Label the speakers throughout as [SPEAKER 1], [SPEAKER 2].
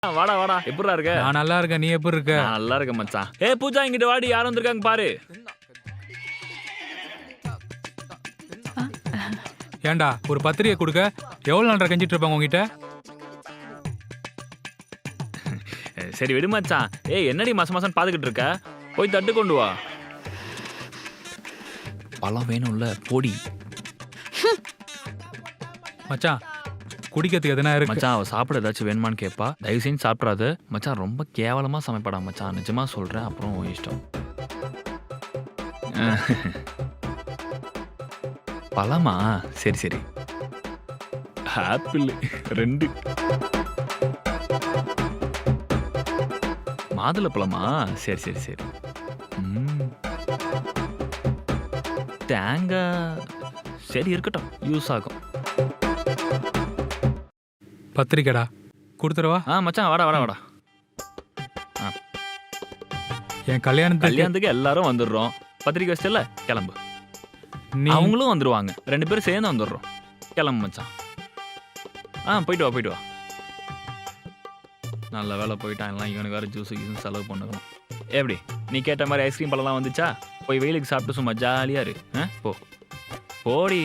[SPEAKER 1] வாடா வாடா, எப்படிடா இருக்க?
[SPEAKER 2] நான் நல்லா இருக்கேன். நீ எப்படி இருக்க?
[SPEAKER 1] நான் நல்லா இருக்கேன் மச்சான். பூஜா இங்கிட்டு வாடி, யார் வந்திருக்காங்க பாரு.
[SPEAKER 2] ஏன்டா ஒரு பத்திரிகை கொடுக்க எவ்வளவு நாள் கஞ்சிட்டு இருப்பாங்க உங்ககிட்ட?
[SPEAKER 1] சரி விடு மச்சான். என்னடி மாசம் மாசம் பாத்துக்கிட்டு இருக்க? போய் தட்டு கொண்டு வா. பழம் வேணும்ல, போடி.
[SPEAKER 2] மச்சான் குடிக்கிறதுக்கு எதனா இருக்கு?
[SPEAKER 1] மச்சான் அவ சாப்பிட ஏதாச்சும் வேணுமான்னு கேட்பா. தயவு செஞ்சு சாப்பிடாது மச்சான். ரொம்ப கேவலமா சமைப்படா மச்சான், நிஜமா சொல்றேன். அப்புறம் இஷ்டம். பழமா? சரி சரி. ஆப்பிள் 2. மாதுளை பழமா? சரி சரி சரி. தேங்காய் சரி இருக்கட்டும், யூஸ் ஆகும்.
[SPEAKER 2] பத்திரிக்கைடா கொடுத்துருவா.
[SPEAKER 1] மச்சான் வாடா வாடா வாடா.
[SPEAKER 2] என் கல்யாணத்துக்கு
[SPEAKER 1] எல்லாரும் வந்துடுறோம். பத்திரிக்கை வச்சிட்டல, கிளம்பு. அவங்களும் வந்துருவாங்க, 2 பேரும் சேர்ந்து வந்துடுறோம். கிளம்பு மச்சான். போயிட்டு வா போயிட்டு வா. நல்ல வேலை போயிட்டான். எல்லாம் இவனுக்கு வேறு ஜூஸு கீஸும் செலவு பண்ணுக்கணும். எப்படி நீ கேட்ட மாதிரி ஐஸ்கிரீம் பழம்லாம் வந்துச்சா? போய் வெயிலுக்கு சாப்பிட்டு சும்மா ஜாலியாக இரு. போ போடி.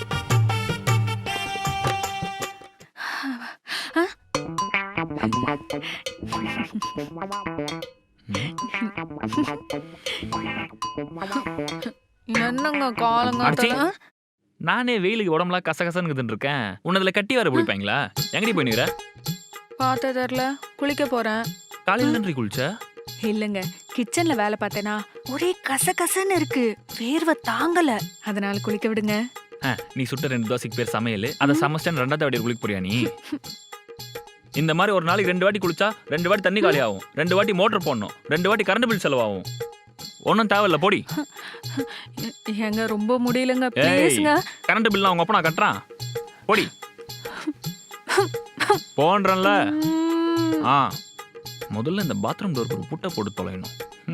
[SPEAKER 3] என்னங்க காலங்க?
[SPEAKER 1] நானே வெயிலுக்கு உடம்புலாம் கசகசன்னு இருக்கேன். உன்னதுல கட்டி வர பிடிப்பாங்களா? எங்கடி போயினுக்கிற?
[SPEAKER 3] பார்த்த தெரியல, குளிக்க போறேன்.
[SPEAKER 1] காலையில நன்றி குளிச்ச?
[SPEAKER 3] இல்லங்க, கிச்சன்ல வேலை பார்த்தேனா ஒரே கசகசன்னு இருக்கு, வேர்வை தாங்கல, அதனால குளிக்க விடுங்க.
[SPEAKER 1] நீ சுட்ட 2 தோசைக்கு பேர் சமையல். அதை சமைச்சிட்டு 2வது வாட்டி குளிக்க போறியா நீ? இந்த மாதிரி ஒரு நாளைக்கு 2 வாட்டி குளிச்சா 2 வாட்டி தண்ணி காலி ஆகும், 2 வாட்டி மோட்டர் போடணும், 2 வாட்டி கரண்ட் பில் செலவாகும். ஒன்றும் தேவையில்ல, போடி.
[SPEAKER 3] ஏங்க ரொம்ப முடியலங்க, ப்ளீஸ்ங்க.
[SPEAKER 1] கரண்ட் பில்லாம் அவங்க அப்பா நான் கட்டுறான், போடி. போன்றல. முதல்ல இந்த பாத்ரூம் டோருக்கு ஒரு புட்டை போட்டு தொலைணும்.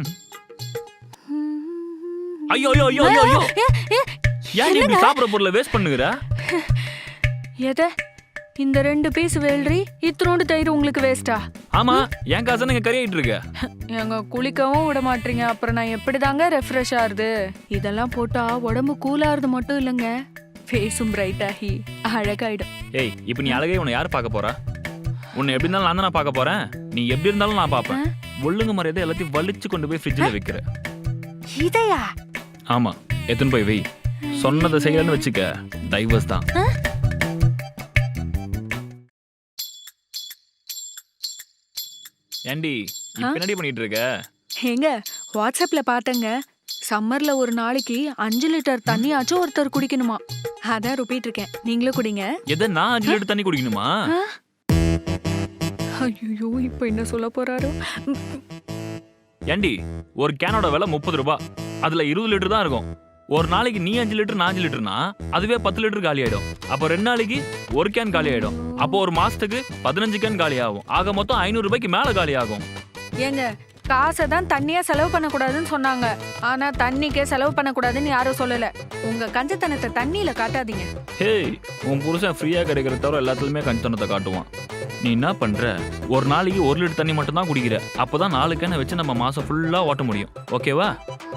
[SPEAKER 1] ஐயோ ஐயோ ஐயோ ஐயோ, ஏன் இப்படி சாப்பிட்ற பொருளை வேஸ்ட் பண்ணுகிற?
[SPEAKER 3] எதை? இந்த 2 பீஸ் வேல்றி, இத்தனோண்டு தயிர் உங்களுக்கு வேஸ்டா?
[SPEAKER 1] ஆமா, என் காசு நீங்க கறியாயிட்டு இருக்க.
[SPEAKER 3] எங்க குளிக்கவும் விட மாட்டீங்க, அப்புறம் நான் எப்படிதாங்க ரெஃப்ரெஷ் ஆகுது? இதெல்லாம் போட்டா உடம்பு கூலாகிறது மட்டும் இல்லைங்க, ஃபேஸும் பிரைட் ஆகி அழகாயிடும்.
[SPEAKER 1] இப்ப நீ அழகே உன்னை யார் பார்க்க போறா? உன்னை எப்படி இருந்தாலும் நான் தான் பார்க்க போறேன். நீ எப்படி இருந்தாலும் நான் பார்ப்பேன். ஒழுங்கு மரியாதை எல்லாத்தையும் வலிச்சு கொண்டு போய் ஃப்ரிட்ஜில் வைக்கிற.
[SPEAKER 3] இதையா?
[SPEAKER 1] ஆமா, எத்தனை போய் வை. சொன்னதை செய்யலன்னு வச்சுக்க, டைவர்ஸ் தான். ஏண்டி இப்ப என்னடி பண்ணிட்டு இருக்க?
[SPEAKER 3] ஏங்க வாட்ஸ்அப்ல பார்த்தங்க, சம்மர்ல ஒரு நாளைக்கு 5 லிட்டர் தண்ணியாச்சும் ஒருத்தர் குடிக்கணுமா, அதான் ருப்பிட்டு இருக்கேன். நீங்களும் குடிங்க.
[SPEAKER 1] எதை? நான் 5 லிட்டர் தண்ணி குடிக்கணுமா?
[SPEAKER 3] ஐயோ, இப்ப என்ன சொல்ல போறாரோ?
[SPEAKER 1] ஏண்டி ஒரு கேனோட விலை 30 ரூபாய், அதுல 20 லிட்டர் தான் இருக்கும். ஒரு நாளைக்கு நீ 5 லிட்டர் நான் 5 லிட்டர்னா அதுவே 10 லிட்டர் காலி ஆயிடும். அப்போ 2 நாளைக்கு 1 கேன் காலி ஆயிடும். அப்போ ஒரு மாசத்துக்கு 15 கேன் காலி ஆகும். ஆக மொத்தம் 500 ரூபாய்க்கு மேல காலி ஆகும்.
[SPEAKER 3] ஏங்க காசை தான் தண்ணியா செலவு பண்ணக்கூடாதுன்னு சொன்னாங்க, ஆனா தண்ணிக்கே செலவு பண்ணக்கூடாதுன்னு யாரும் சொல்லல. உங்க கஞ்சத்தனத்தை தண்ணியில காட்டாதீங்க.
[SPEAKER 1] உன் புருஷன் ஃப்ரீயா கிடைக்கிற தவிர எல்லாத்துலயுமே கஞ்சத்தனத்தை காட்டுவான். நீ என்ன பண்ற? ஒரு நாளைக்கு 1 லிட்டர் தண்ணி மட்டும் தான் குடிக்கிற. அப்போதான் 4 கேனை வச்சு நம்ம மாசம் ஃபுல்லா ஓட்ட முடியும். ஓகேவா?